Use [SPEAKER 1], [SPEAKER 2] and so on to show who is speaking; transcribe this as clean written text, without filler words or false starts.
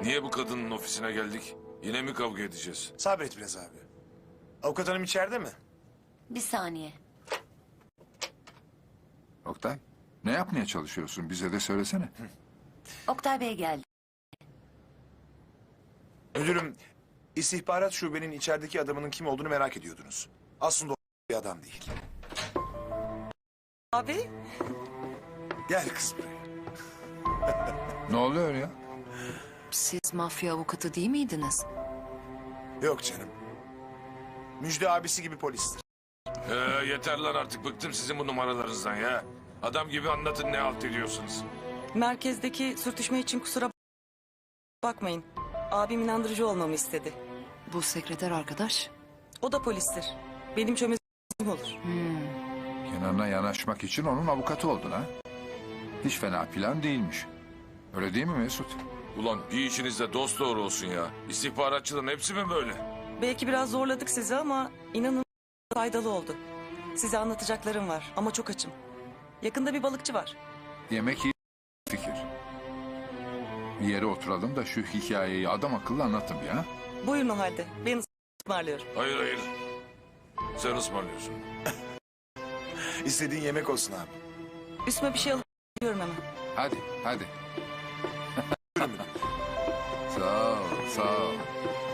[SPEAKER 1] Niye bu kadının ofisine geldik? Yine mi kavga edeceğiz?
[SPEAKER 2] Sabret biraz abi. Avukat hanım içeride mi?
[SPEAKER 3] Bir saniye.
[SPEAKER 4] Oktay, ne yapmaya çalışıyorsun? Bize de söylesene.
[SPEAKER 3] Oktay Bey geldi.
[SPEAKER 2] Müdürüm, istihbarat şubenin içerideki adamının kim olduğunu merak ediyordunuz. Aslında o bir adam değil.
[SPEAKER 5] Abi,
[SPEAKER 2] Gel kız buraya.
[SPEAKER 4] Ne oluyor ya?
[SPEAKER 3] Siz mafya avukatı değil miydiniz?
[SPEAKER 2] Yok canım. Müjde abisi gibi polistir.
[SPEAKER 1] Yeter lan artık bıktım sizin bu numaralarınızdan ya. Adam gibi anlatın ne halt ediyorsunuz.
[SPEAKER 5] merkezdeki sürtüşme için kusura bakmayın. Abim inandırıcı olmamı istedi.
[SPEAKER 3] Bu sekreter arkadaş.
[SPEAKER 5] O da polistir. Benim çömezim olur.
[SPEAKER 4] Kenan'a yanaşmak için onun avukatı oldun ha? Hiç fena plan değilmiş. Öyle değil mi Mesut?
[SPEAKER 1] Ulan bir işinizde dost doğru olsun ya. İstihbaratçıların hepsi mi böyle?
[SPEAKER 5] Belki biraz zorladık sizi ama inanın faydalı oldu. Size anlatacaklarım var ama çok açım. Yakında bir balıkçı var.
[SPEAKER 4] Yemek iyi fikir. Bir yere oturalım da şu hikayeyi adam akıllı anlatın bir ha.
[SPEAKER 5] Buyurun o halde. Ben ısmarlıyorum.
[SPEAKER 1] Hayır hayır. Sen ısmarlıyorsun.
[SPEAKER 2] İstediğin yemek olsun abi.
[SPEAKER 5] Üstüme bir şey alıyorum hemen.
[SPEAKER 4] Hadi, hadi.
[SPEAKER 2] Buyurun müdürüm.
[SPEAKER 4] Sağ ol, sağ ol.